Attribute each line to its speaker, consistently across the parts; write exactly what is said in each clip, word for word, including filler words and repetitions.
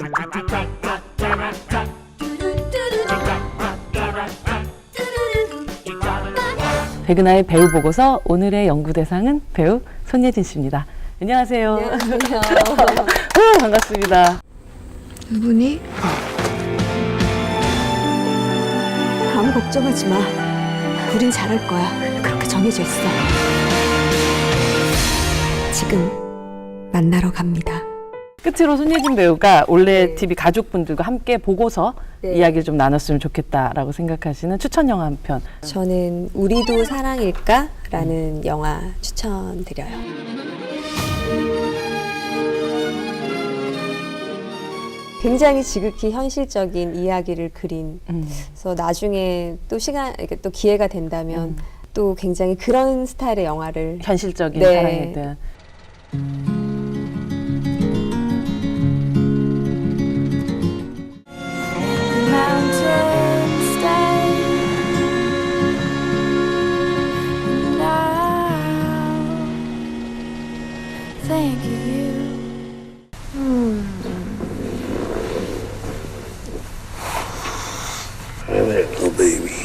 Speaker 1: 백은하의 배우 보고서 오늘의 연구 대상은 배우 손예진 씨입니다. 안녕하세요.
Speaker 2: 안녕하세요.
Speaker 1: 반갑습니다.
Speaker 2: 누구니? 아무 걱정하지 마. 우린 잘할 거야. 그렇게 정해져 있어. 지금 만나러 갑니다.
Speaker 1: 끝으로 손예진 배우가 올해
Speaker 2: 네.
Speaker 1: 티비 가족분들과 함께 보고서
Speaker 2: 네.
Speaker 1: 이야기를 좀 나눴으면 좋겠다라고 생각하시는 추천 영화 한 편.
Speaker 2: 저는 우리도 사랑일까? 라는 영화 추천드려요. 굉장히 지극히 현실적인 이야기를 그린,
Speaker 1: 음.
Speaker 2: 그래서 나중에 또 시간, 이렇게 또 기회가 된다면
Speaker 1: 음.
Speaker 2: 또 굉장히 그런 스타일의 영화를
Speaker 1: 현실적인
Speaker 2: 네.
Speaker 1: 사랑에 대한.
Speaker 3: Thank you.
Speaker 4: Hi there, little baby.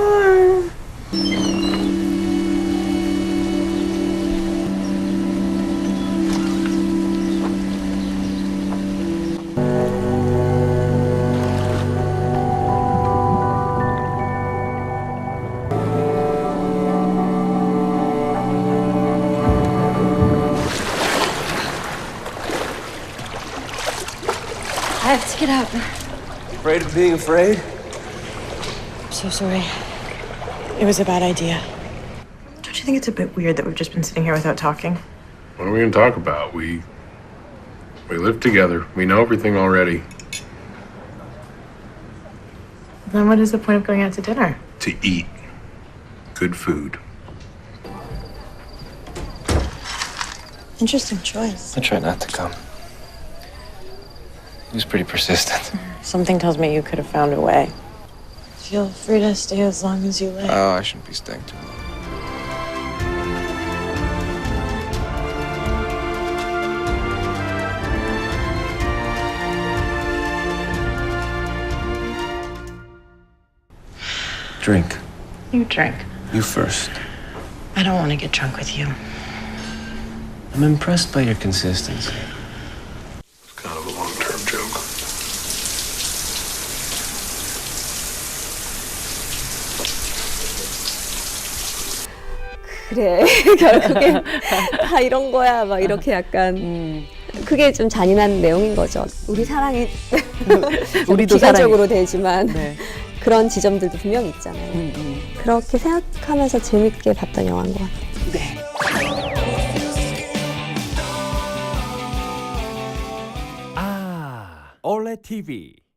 Speaker 3: I have to get out.
Speaker 4: Afraid of being afraid?
Speaker 5: I'm so sorry. It was a bad idea.
Speaker 6: Don't you think it's a bit weird that we've just been sitting here without talking?
Speaker 7: What are we gonna talk about? We we live together. We know everything already.
Speaker 6: Then what is the point of going out to dinner?
Speaker 7: To eat good food.
Speaker 5: Interesting choice.
Speaker 4: I try not to come. He was pretty persistent.
Speaker 5: Something tells me you could have found a way. Feel free to stay as long as you like.
Speaker 4: Oh, I shouldn't be staying too long. Drink.
Speaker 5: You drink.
Speaker 4: You first.
Speaker 5: I don't want to get drunk with you.
Speaker 4: I'm impressed by your consistency.
Speaker 7: It's kind of a long-term joke.
Speaker 2: 그래 결국엔 다 이런 거야 막 이렇게 약간
Speaker 1: 음.
Speaker 2: 그게 좀 잔인한 내용인 거죠. 우리 사랑이
Speaker 1: 우리도
Speaker 2: 비관적으로 되지만
Speaker 1: 네.
Speaker 2: 그런 지점들도 분명히 있잖아요.
Speaker 1: 음, 음.
Speaker 2: 그렇게 생각하면서 재밌게 봤던 영화인 것 같아요.
Speaker 1: 네.
Speaker 8: 아, 올레 티비